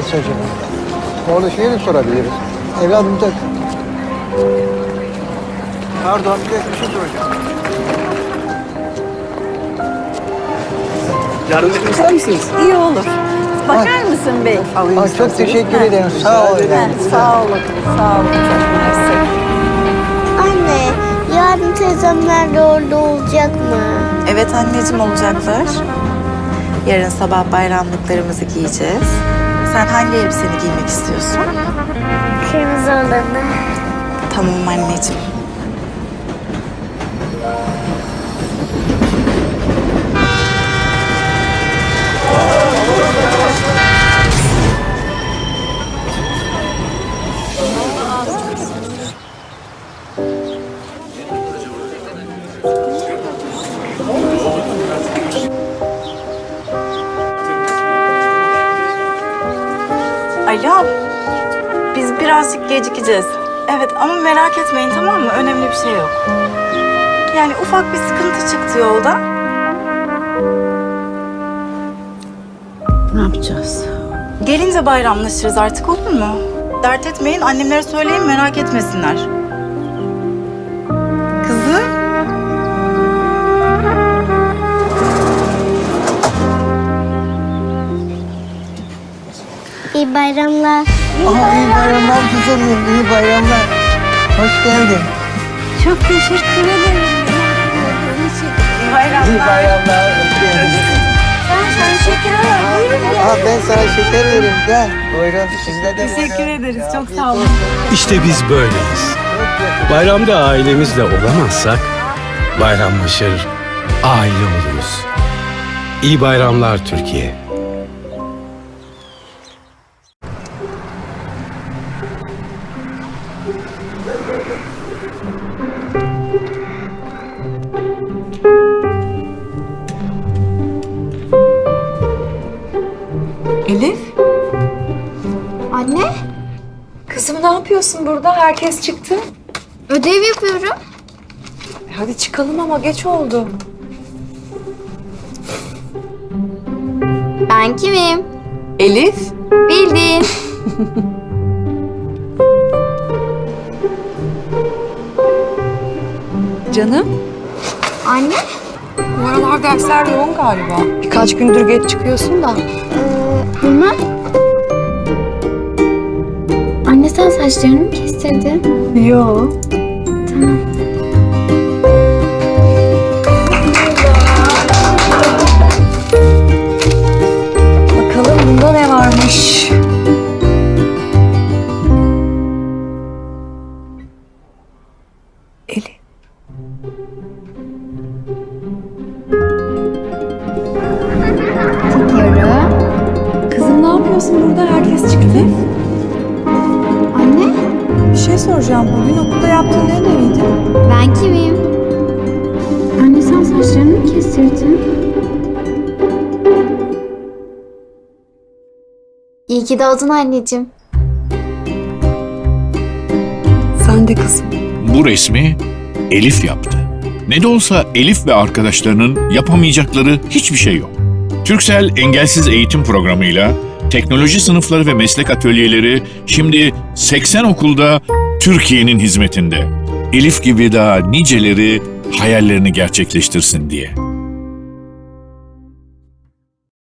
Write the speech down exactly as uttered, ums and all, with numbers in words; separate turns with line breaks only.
etse acaba? Orada şeyi de sorabiliriz. Evladım da... Pardon, bir dakika bir şey soracağım.
Yardım etmek ister misiniz?
İyi olur. Bakar mısın bey?
Alayım
Aa, çok
isterseniz.
teşekkür ederim. Sağ ol.
Heh, sağ olun. Sağ olun. Çok mersi.
Anne, yarın teyzemler de orada olacak mı?
Evet anneciğim, olacaklar. Yarın sabah bayramlıklarımızı giyeceğiz. Sen hangi elbiseni giymek istiyorsun?
Kırmızı olanı.
Tamam anneciğim. Alo, biz birazcık gecikeceğiz. Evet ama merak etmeyin, tamam mı? Önemli bir şey yok. Yani ufak bir sıkıntı çıktı yolda.
Ne yapacağız?
Gelince bayramlaşırız artık, olur mu? Dert etmeyin, annemlere söyleyin, merak etmesinler. Kızım.
İyi bayramlar.
Aha, iyi bayramlar güzelim, iyi bayramlar. Hoş geldin.
Çok teşekkür ederim.
Bayramlar.
İyi bayramlar, hoş geldin.
Ben sana şeker alayım. Buyurun gel.
Aha, ben sana şeker vereyim, gel. Buyurun, sizde de
Teşekkür
buyurun.
ederiz,
Ya,
çok
afiyet
sağ olun.
olsun.
İşte biz böyleyiz.
Çok yakın.
Bayramda ailemizle olamazsak bayramlaşır, aile oluruz. İyi bayramlar Türkiye.
Elif,
Anne,
kızım ne yapıyorsun burada? Herkes çıktı.
ödev yapıyorum.
E, Hadi çıkalım ama geç oldu.
Ben kimim?
Elif,
Bildin.
canım.
Anne,
Bu aralar dersler yoğun galiba. Birkaç gündür geç çıkıyorsun da.
ee, bilmem. Anne sen saçlarını mı kestirdin?
Yo.
Tamam.
Bakalım bunda ne varmış? Elif.
Diyorum.
Kızım ne yapıyorsun burada? Herkes çıktı.
Anne,
Bir şey soracağım. Bugün okulda yaptığın ne ödeviydi?
ben kimim? Anne sen saçlarını mı kestirdin? İyi ki doğdun anneciğim.
Sen de kızım.
Bu resmi Elif yaptı. Ne de olsa Elif ve arkadaşlarının yapamayacakları hiçbir şey yok. Türksel Engelsiz Eğitim Programı'yla teknoloji sınıfları ve meslek atölyeleri şimdi seksen okulda Türkiye'nin hizmetinde. Elif gibi daha niceleri hayallerini gerçekleştirsin diye.